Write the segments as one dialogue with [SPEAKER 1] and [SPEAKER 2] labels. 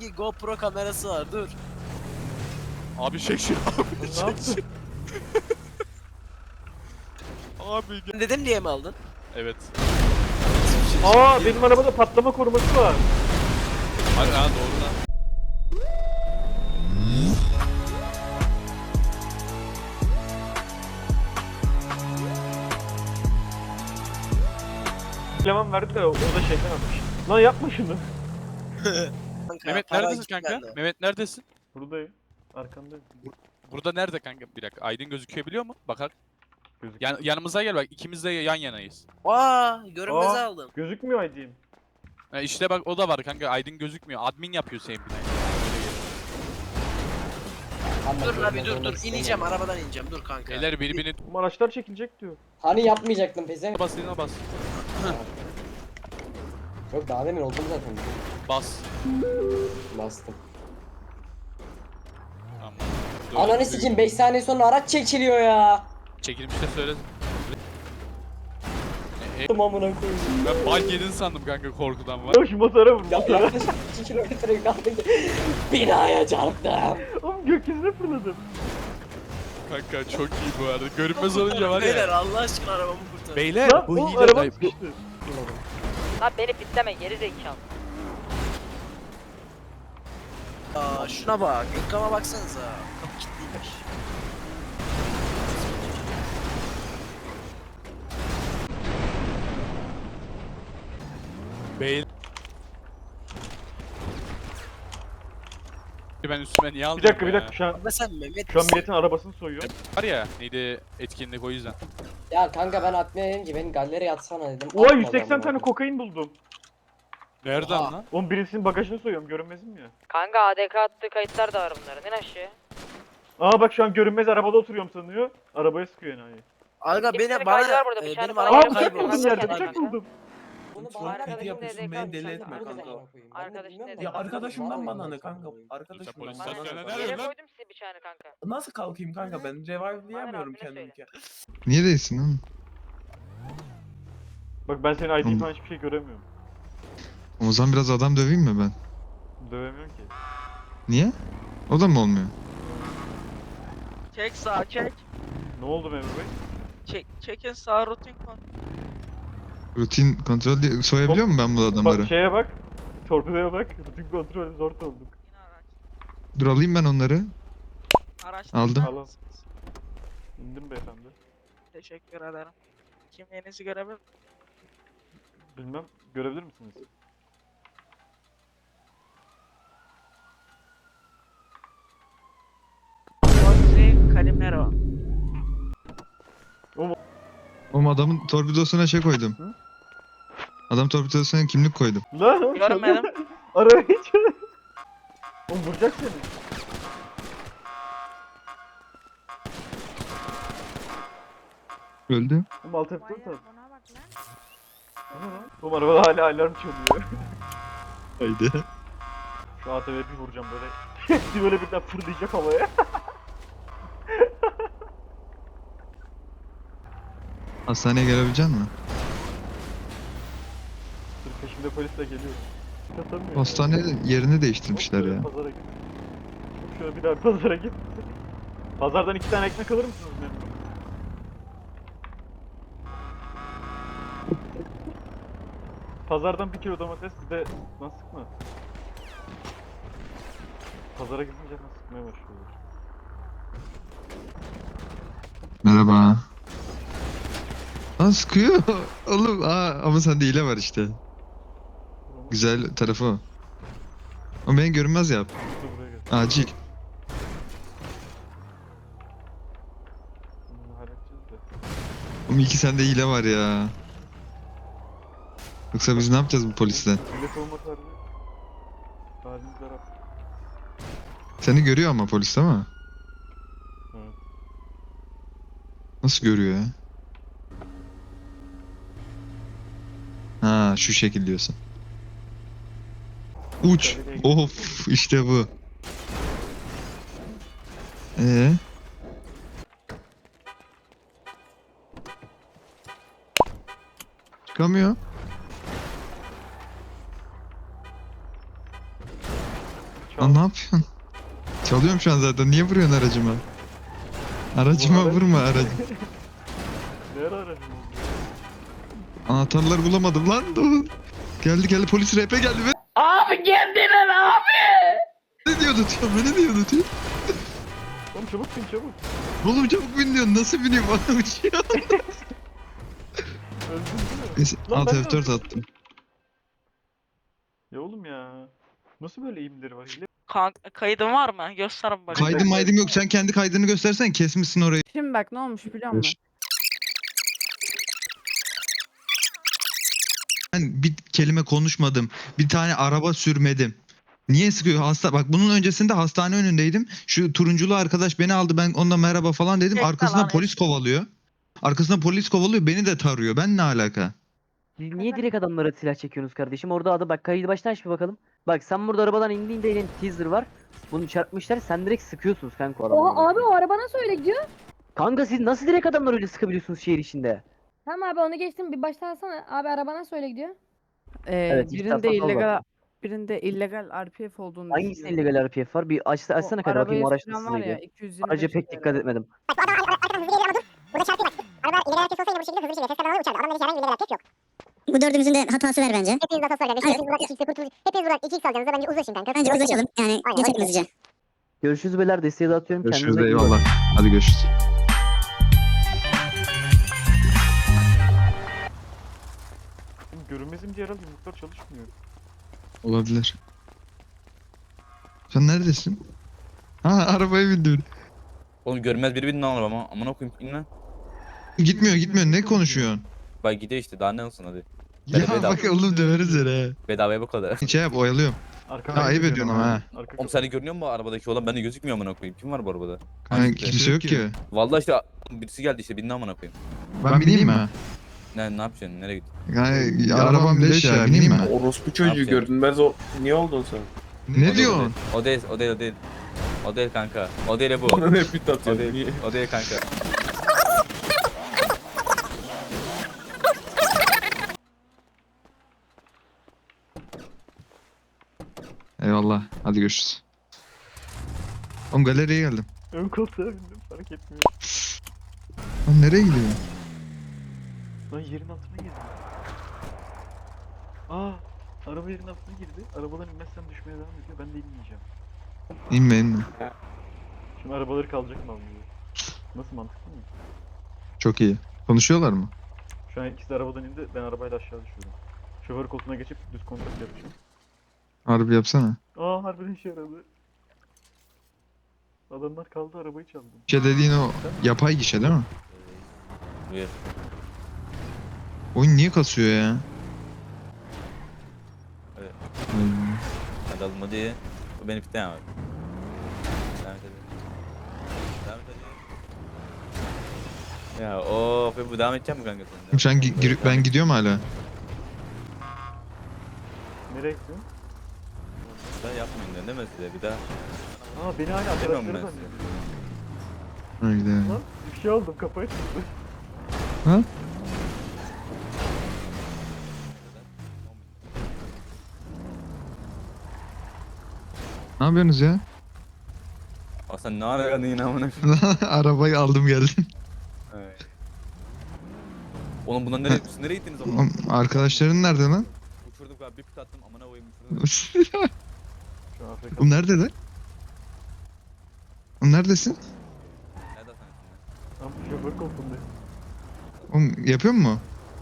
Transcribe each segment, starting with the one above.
[SPEAKER 1] Sanki GoPro kamerası var, dur.
[SPEAKER 2] Abi şekil. Abi
[SPEAKER 3] Ne yaptın?
[SPEAKER 2] şekil. Abi gel.
[SPEAKER 1] Dedim diye mi aldın?
[SPEAKER 2] Evet.
[SPEAKER 3] Aa benim arabada patlama koruması var.
[SPEAKER 2] Hadi ha doğru lan.
[SPEAKER 3] Eleman verdi de o da şeyden almış. Lan yapma şunu.
[SPEAKER 1] Kanka,
[SPEAKER 2] Mehmet
[SPEAKER 1] para
[SPEAKER 2] neredesin
[SPEAKER 1] gitti
[SPEAKER 2] kanka?
[SPEAKER 1] bende.
[SPEAKER 2] Mehmet neredesin?
[SPEAKER 3] Buradayım. Arkandayım.
[SPEAKER 2] Burada nerede kanka? Bir dakika. Aydın gözükebiliyor mu? Bakar.
[SPEAKER 3] Gözüküyor.
[SPEAKER 2] Yanımıza gel bak. İkimiz de yan yanayız.
[SPEAKER 1] Aa, görünmeze
[SPEAKER 3] Aa,
[SPEAKER 1] aldım.
[SPEAKER 3] gözükmüyor ID'm.
[SPEAKER 2] İşte bak o da var kanka. Aydın gözükmüyor. Admin yapıyor senin binayı.
[SPEAKER 1] Dur abi, dur ineceğim, arabadan ineceğim, dur kanka.
[SPEAKER 2] Beyler birbirini
[SPEAKER 3] Bu araçlar çekilecek diyor.
[SPEAKER 4] Hani yapmayacaktım peze?
[SPEAKER 2] bas eline bas.
[SPEAKER 4] Yok daha demin oldum zaten.
[SPEAKER 2] Bas.
[SPEAKER 4] Bastım.
[SPEAKER 2] Tamam.
[SPEAKER 4] Ananı sikeyim 5 saniye sonra araç çekiliyor ya.
[SPEAKER 2] Çekilmiş de söyle.
[SPEAKER 4] Amına koyayım.
[SPEAKER 2] Ben bal yedin sandım kanka korkudan var.
[SPEAKER 3] Ya şu motora vur.
[SPEAKER 4] Ya,
[SPEAKER 3] Motora.
[SPEAKER 4] yaklaşık 2 kilometre kaldı. Binaya çarptım.
[SPEAKER 3] Oğlum gökyüzüne fırladım.
[SPEAKER 2] Kanka çok iyi bu arada. Görünmez olunca var
[SPEAKER 1] Beyler,
[SPEAKER 2] ya.
[SPEAKER 1] Allah aşkına arabamı kurtar.
[SPEAKER 2] Beyler
[SPEAKER 3] Lan
[SPEAKER 2] bu
[SPEAKER 3] oğlum
[SPEAKER 2] hile
[SPEAKER 3] araba
[SPEAKER 2] dayı.
[SPEAKER 3] sıkıştı.
[SPEAKER 5] Lan beni pitleme geri zekalı.
[SPEAKER 1] Aa, şuna bak, ekrana baksanıza. Kapı kilitliymiş.
[SPEAKER 2] Beyler. Ben üstüme niye aldım
[SPEAKER 3] Bir dakika
[SPEAKER 2] ya?
[SPEAKER 3] şu an
[SPEAKER 1] Ama sen Mehmet
[SPEAKER 3] şu an
[SPEAKER 1] misin?
[SPEAKER 3] milletin arabasını soyuyor.
[SPEAKER 2] Var ya neydi etkinlik o yüzden.
[SPEAKER 4] Ya kanka ben atmaya dedim ki beni galeriye atsana dedim.
[SPEAKER 3] Oha
[SPEAKER 4] Atmadı
[SPEAKER 3] 180
[SPEAKER 4] amına
[SPEAKER 3] tane
[SPEAKER 4] koyayım.
[SPEAKER 3] kokain buldum.
[SPEAKER 2] Nereden
[SPEAKER 1] Oha.
[SPEAKER 2] lan?
[SPEAKER 3] Oğlum birisinin bagajını soyuyorum görünmezim ya.
[SPEAKER 5] Kanka ADK attığı kayıtlar da var bunların. İn aşağı.
[SPEAKER 3] Aa bak şu an görünmez arabada oturuyorum sanıyor. Arabaya sıkıyor enayi.
[SPEAKER 1] Aga
[SPEAKER 5] Kimsenin
[SPEAKER 1] beni
[SPEAKER 5] kaydı
[SPEAKER 1] bana
[SPEAKER 5] var burada, bir tane
[SPEAKER 1] benim
[SPEAKER 5] para
[SPEAKER 1] arabam
[SPEAKER 3] Aa
[SPEAKER 5] Araba
[SPEAKER 3] bıçak
[SPEAKER 1] kayboldu.
[SPEAKER 3] buldum
[SPEAKER 5] kayboldu.
[SPEAKER 3] yerde
[SPEAKER 5] Kanka.
[SPEAKER 3] bıçak buldum.
[SPEAKER 4] Bunu
[SPEAKER 5] Sonra
[SPEAKER 4] bana
[SPEAKER 5] arkadaşım
[SPEAKER 4] arkadaşım
[SPEAKER 5] da
[SPEAKER 4] dedi,
[SPEAKER 5] EDK
[SPEAKER 4] beni
[SPEAKER 5] deli
[SPEAKER 4] etme
[SPEAKER 5] etme
[SPEAKER 4] kanka.
[SPEAKER 5] Arkadaşın dedi.
[SPEAKER 6] Ya arkadaşımdan bana ne kanka?
[SPEAKER 2] Polis
[SPEAKER 6] Arkadaşımdan bana
[SPEAKER 2] istasyonuna
[SPEAKER 6] ne?
[SPEAKER 2] nerede?
[SPEAKER 5] Yere
[SPEAKER 2] lan?
[SPEAKER 5] koydum size bıçağını kanka.
[SPEAKER 6] Nasıl kalkayım kanka ben revive'layamıyorum
[SPEAKER 5] Bana
[SPEAKER 6] kendimi ki.
[SPEAKER 7] Niye değilsin oğlum?
[SPEAKER 3] Bak ben senin ID'ni
[SPEAKER 7] Oğlum.
[SPEAKER 3] falan hiçbir şey göremiyorum.
[SPEAKER 7] O zaman biraz adam döveyim mi ben?
[SPEAKER 3] Dövemiyorum ki.
[SPEAKER 7] Niye? O da mı olmuyor?
[SPEAKER 8] Çek sağ çek.
[SPEAKER 3] Ne oldu Memur Bey?
[SPEAKER 8] Çekin sağ rutin kon.
[SPEAKER 7] Rutin kontrol diye soyabiliyor mu ben bu adamları?
[SPEAKER 3] Bak şeye bak. Torpidoya bak. Rutin kontrol zor olduk.
[SPEAKER 8] Yine araç.
[SPEAKER 7] Dur alayım ben onları.
[SPEAKER 8] Araçtan
[SPEAKER 7] Aldım.
[SPEAKER 8] iner
[SPEAKER 3] Alın.
[SPEAKER 8] misiniz?
[SPEAKER 3] İndim beyefendi.
[SPEAKER 8] Teşekkür ederim. Kimliğinizi görebilir miyim?
[SPEAKER 3] Bilmem görebilir misiniz?
[SPEAKER 8] Roxy Calimero.
[SPEAKER 7] Oğlum adamın torpidosuna şey koydum.
[SPEAKER 3] Hı?
[SPEAKER 7] Adam torpidosuna kimlik koydum.
[SPEAKER 3] Lan oğlum,
[SPEAKER 8] Görmedim.
[SPEAKER 3] Arabaya çalıyor. Oğlum vuracak seni.
[SPEAKER 7] Öldü.
[SPEAKER 3] Oğlum alt F4 at. Ana lan. Oğlum arabada hala alarm çalıyor.
[SPEAKER 7] Haydi.
[SPEAKER 3] Şu ATV'ye bir vuracağım böyle. Hepsi böyle birden fırlayacak havaya.
[SPEAKER 7] Hastaneye gelebilecek misin?
[SPEAKER 3] Dur peşimde polis de geliyor. Katamıyor.
[SPEAKER 7] Hastane yerini değiştirmişler ya.
[SPEAKER 3] Pazara git. Hop şöyle bir daha pazara git. Pazardan 2 tane ekmek alır mısınız benim? Pazardan 1 kilo domates bir de lan sıkma. Pazara gidince lan sıkmaya başlıyorlar.
[SPEAKER 7] Merhaba. Aa sıkıyor. Oğlum ama sende hile var işte. Güzel tarafı o. O beni görünmez yap.
[SPEAKER 3] Dur buraya gel.
[SPEAKER 7] Acil.
[SPEAKER 3] Bunu halledeceğiz de.
[SPEAKER 7] Oğlum iki sende hile var ya. Yoksa biz ne yapacağız bu polisle?
[SPEAKER 3] Millet olmak harbi. Halimiz harap.
[SPEAKER 7] Seni görüyor ama polis değil mi?
[SPEAKER 3] Evet.
[SPEAKER 7] Nasıl görüyor ya? Ha şu şekil diyorsun. Uç. Of işte bu. Çıkamıyor. Lan ne yapıyorsun? Çalıyorum şu an zaten. Niye vuruyorsun aracıma? Aracıma
[SPEAKER 3] Bu araç-
[SPEAKER 7] vurma aracı.
[SPEAKER 3] Ne ara aracın oldu?
[SPEAKER 7] Anahtarları bulamadım lan. Dur. Geldi polis RP geldi ve
[SPEAKER 4] Abi kendine abi.
[SPEAKER 7] ne diyordu diyor beni diyordu diyor.
[SPEAKER 3] Oğlum çabuk bin çabuk.
[SPEAKER 7] Oğlum çabuk bin diyorsun nasıl bineyim bana uçuyor.
[SPEAKER 3] Öldün değil mi?
[SPEAKER 7] Neyse
[SPEAKER 3] Lan
[SPEAKER 7] alt
[SPEAKER 3] ben de
[SPEAKER 7] F4
[SPEAKER 3] öldüm.
[SPEAKER 7] attım.
[SPEAKER 3] Ya oğlum ya. Nasıl böyle eğimleri var? Hile
[SPEAKER 8] Kanka kaydın var mı? Göster bakayım.
[SPEAKER 7] Kaydım maydım yok sen kendi kaydını göstersen kesmişsin orayı.
[SPEAKER 9] Şimdi bak ne olmuş biliyor musun?
[SPEAKER 7] Ben bir kelime konuşmadım. Bir tane araba sürmedim. Niye sıkıyor? Bak bunun öncesinde hastane önündeydim. Şu turunculu arkadaş beni aldı. Ben onunla merhaba falan dedim.
[SPEAKER 8] Bekle
[SPEAKER 7] Arkasından
[SPEAKER 8] lan,
[SPEAKER 7] polis kovalıyor. Arkasından polis kovalıyor. Beni de tarıyor. Ben ne alaka?
[SPEAKER 10] Siz niye direkt adamlara silah çekiyorsunuz kardeşim? Orada adı bak kaydı baştan aç bir bakalım. Bak sen burada arabadan indiğinde elin teaser var. Bunu çarpmışlar sen direkt sıkıyorsunuz kanka o adamlara.
[SPEAKER 11] Oha abi o araba nasıl öyle gidiyor?
[SPEAKER 10] Kanka siz nasıl direkt adamları öyle sıkabiliyorsunuz şehir içinde?
[SPEAKER 11] Tamam abi onu geçtim bir baştan alsana. Abi araba nasıl öyle gidiyor?
[SPEAKER 10] Evet, iki
[SPEAKER 9] Birinde
[SPEAKER 10] taraftan sol var.
[SPEAKER 9] illegal RPF olduğunu
[SPEAKER 10] Hangisinin
[SPEAKER 9] düşünüyorum.
[SPEAKER 10] illegal RPF var? Bir açsana kanka bakayım o
[SPEAKER 9] Arabayı
[SPEAKER 10] araç
[SPEAKER 9] süren
[SPEAKER 10] nasıl
[SPEAKER 9] var ya
[SPEAKER 10] neydi?
[SPEAKER 9] 225
[SPEAKER 10] Araca pek dikkat etmedim.
[SPEAKER 11] Bu dördümüzün de hatası var bence. Hepiniz hatası var bence. Hepiniz buradan 2x alacaksınız. Bence uzlaşın kanka. Bence uzlaşalım. Yani geçelim hızlıca.
[SPEAKER 10] Görüşürüz beyler desteği de atıyorum.
[SPEAKER 7] Görüşürüz
[SPEAKER 10] Kendinize iyi bakın.
[SPEAKER 7] eyvallah. Hadi görüşürüz.
[SPEAKER 3] Oğlum görünmezim diye herhalde yumruklar çalışmıyor.
[SPEAKER 7] Olabilir. Sen neredesin? Ha arabaya bindim.
[SPEAKER 2] Oğlum görmez biri binin lan arabama. Amına koyayım in lan.
[SPEAKER 7] Gitmiyor. Ne konuşuyorsun?
[SPEAKER 2] Bak gidiyor işte daha ne olsun hadi.
[SPEAKER 7] Ya
[SPEAKER 2] bedava.
[SPEAKER 7] bak oğlum döveriz seni.
[SPEAKER 2] Bedavaya bu kadar.
[SPEAKER 7] Şey yap oyalıyorum.
[SPEAKER 3] Arkadan
[SPEAKER 7] Ya ayıp
[SPEAKER 3] gidiyorum
[SPEAKER 7] ediyorsun ama ha.
[SPEAKER 3] Arka
[SPEAKER 2] Oğlum seni görünüyor mu arabadaki olan? Bende gözükmüyor amına koyayım. Kim var bu arabada?
[SPEAKER 7] Yani kimse yok ki.
[SPEAKER 2] Vallahi işte birisi geldi işte bindi amına koyayım.
[SPEAKER 7] Ben bineyim mi?
[SPEAKER 2] Ne yapacaksın? Nereye gittin?
[SPEAKER 7] Yani arabam leş ya bineyim mi?
[SPEAKER 6] Orospu
[SPEAKER 2] çocuğu
[SPEAKER 6] çocuğu
[SPEAKER 2] yapacağım?
[SPEAKER 6] görünmez o. Niye oldun sen?
[SPEAKER 7] Ne diyorsun?
[SPEAKER 2] O değil. O değil kanka. O değil bu.
[SPEAKER 6] Bana ne pit
[SPEAKER 2] O
[SPEAKER 6] atıyorsun? Niye?
[SPEAKER 2] değil. O değil kanka.
[SPEAKER 7] Eyvallah. Hadi görüşürüz. Oğlum galeriye geldim.
[SPEAKER 3] ön koltuğa bindim fark etmiyor.
[SPEAKER 7] Lan nereye gidiyor?
[SPEAKER 3] Lan yerin altına girdi. Aa, araba yerin altına girdi. Arabadan inmezsem düşmeye devam ediyor. Ben de inmeyeceğim.
[SPEAKER 7] İnme.
[SPEAKER 3] Şimdi arabaları kalacak mı almıyor? Nasıl mantıklı mı?
[SPEAKER 7] Çok iyi. Konuşuyorlar mı?
[SPEAKER 3] Şu an ikisi de arabadan indi. Ben arabayla aşağı düşüyorum. Şoför koltuğuna geçip düz kontak yapacağım.
[SPEAKER 7] Harbi yapsana.
[SPEAKER 3] Aa harbiden işe yaradı. Adamlar kaldı arabayı çaldım.
[SPEAKER 7] Şey dediğin o yapay gişe değil mi?
[SPEAKER 2] Buyur.
[SPEAKER 7] Oyun niye kasıyor ya?
[SPEAKER 2] Evet.
[SPEAKER 7] Hmm.
[SPEAKER 2] Hadi alın hadi. Bu beni fitten abi. Devam et hadi. Devam et hadi. Ya of bu devam edeceğim mi kanka sen?
[SPEAKER 7] Sen ben gidiyorum hala.
[SPEAKER 3] Nereye gidiyorsun?
[SPEAKER 2] Ben yapmayın diyorum değil mi size bir daha?
[SPEAKER 3] Aa beni hala
[SPEAKER 2] Demiyorum
[SPEAKER 3] arkadaşları
[SPEAKER 2] ben size.
[SPEAKER 3] zannediyor.
[SPEAKER 7] Haydi.
[SPEAKER 3] Lan bir şey aldım kafayı tuttu.
[SPEAKER 7] Ha? Ne yapıyorsunuz ya?
[SPEAKER 2] Aa sen ne ara geldin yine amına?
[SPEAKER 7] Arabayı aldım geldim.
[SPEAKER 2] Evet. Oğlum bundan nereye, siz nereye gittiniz oğlum?
[SPEAKER 7] Oğlum, arkadaşların nerede lan?
[SPEAKER 2] Uçurduk abi bir pit attım amına koyayım uçurduk.
[SPEAKER 3] Şu an Afrika.
[SPEAKER 7] Oğlum neredeler? Oğlum neredesin?
[SPEAKER 2] Nerede sen?
[SPEAKER 3] Tam şoför koltuğunda.
[SPEAKER 7] Oğlum yapıyor mu?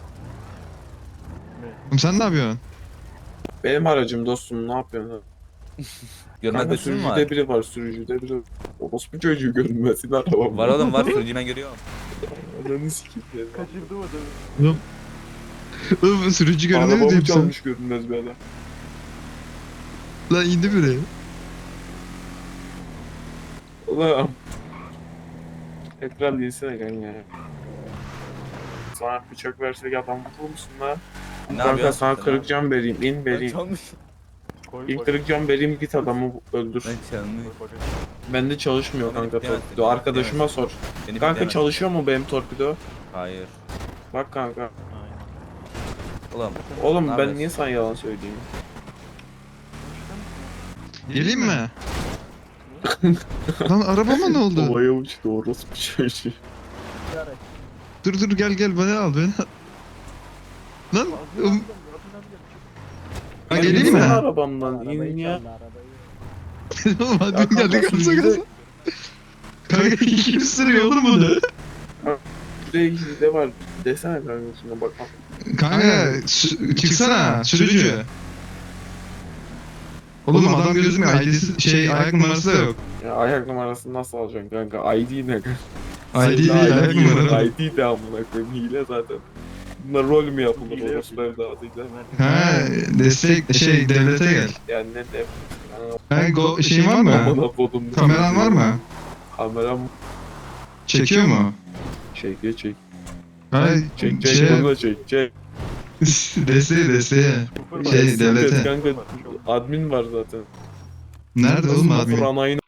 [SPEAKER 3] Ne?
[SPEAKER 7] Oğlum sen ne yapıyorsun?
[SPEAKER 6] Benim aracım dostum ne yapıyorsun?
[SPEAKER 2] Görmez
[SPEAKER 6] Kanka
[SPEAKER 2] besin mi var?
[SPEAKER 6] sürücüde biri var sürücüde biri. Orospu çocuğu görünmesin arabam.
[SPEAKER 2] Var oğlum var sunucuyu ben görüyorum.
[SPEAKER 6] Ananı sikeyim ya.
[SPEAKER 3] Kaçırdım adamı.
[SPEAKER 7] Oğlum sürücü görünüyor
[SPEAKER 6] Arabamı
[SPEAKER 7] diyeyim sana.
[SPEAKER 6] çalmış görünmez bir adam.
[SPEAKER 7] Lan indi biri.
[SPEAKER 6] Ulan. Ekran değilsene kanka ya. Sana bıçak versek adam vurur musun lan?
[SPEAKER 2] Ne
[SPEAKER 6] Kanka
[SPEAKER 2] yapıyorsun
[SPEAKER 6] sana
[SPEAKER 2] sen
[SPEAKER 6] kırık
[SPEAKER 2] abi?
[SPEAKER 6] cam vereyim, in
[SPEAKER 2] Ben
[SPEAKER 6] vereyim.
[SPEAKER 2] çalmış.
[SPEAKER 3] Koy
[SPEAKER 6] İlk
[SPEAKER 3] bak.
[SPEAKER 6] kırık cam vereyim git adamı öldür.
[SPEAKER 2] Ben çalmış.
[SPEAKER 3] Koy bak.
[SPEAKER 6] Bende çalışmıyor
[SPEAKER 2] Beni
[SPEAKER 6] kanka
[SPEAKER 2] bilemezsin,
[SPEAKER 6] torpido.
[SPEAKER 2] beni
[SPEAKER 6] Arkadaşıma sor.
[SPEAKER 2] Beni
[SPEAKER 6] Kanka
[SPEAKER 2] bilemez.
[SPEAKER 6] çalışıyor mu benim torpido?
[SPEAKER 2] Hayır.
[SPEAKER 6] Bak kanka.
[SPEAKER 3] Aynen.
[SPEAKER 2] Oğlum.
[SPEAKER 6] Oğlum
[SPEAKER 2] Ne
[SPEAKER 6] ben
[SPEAKER 2] yapıyorsun?
[SPEAKER 6] niye sana yalan söyleyeyim?
[SPEAKER 7] Geleyim mi? Lan arabama ne oldu?
[SPEAKER 6] Havaya uçtu orospu çocuğu.
[SPEAKER 7] Dur gel beni al beni al. Lan ha, geleyim mi?
[SPEAKER 6] İnsene arabamdan in ya.
[SPEAKER 7] Oğlum hadi geldi kalsa kalsa. Kanka kim sürüyor oğlum bunu?
[SPEAKER 6] Buraya de var. Desene kanka şuna bak.
[SPEAKER 7] Kanka çıksana sürücü. Oğlum adam gözükmüyor. ID'si ayak numarası da yok.
[SPEAKER 6] Ya ayak numarasını nasıl alacaksın kanka? ID ne kanka?
[SPEAKER 7] ID değil ayak numarası.
[SPEAKER 6] ID de amına koyayım. Hile zaten. Bunlar rol mü yapılır orospu evladıyla?
[SPEAKER 7] Ha destek devlete gel.
[SPEAKER 6] Yani ne de.
[SPEAKER 7] Ha şeyin var mı?
[SPEAKER 6] Amına kodum.
[SPEAKER 7] Kameran var mı?
[SPEAKER 6] Kameram
[SPEAKER 7] Çekiyor mu?
[SPEAKER 6] çek.
[SPEAKER 7] Ha
[SPEAKER 6] Çek burada çek.
[SPEAKER 7] desteğe. Devlete.
[SPEAKER 6] Kanka admin var zaten.
[SPEAKER 7] Nerede oğlum admin?
[SPEAKER 6] Ranayın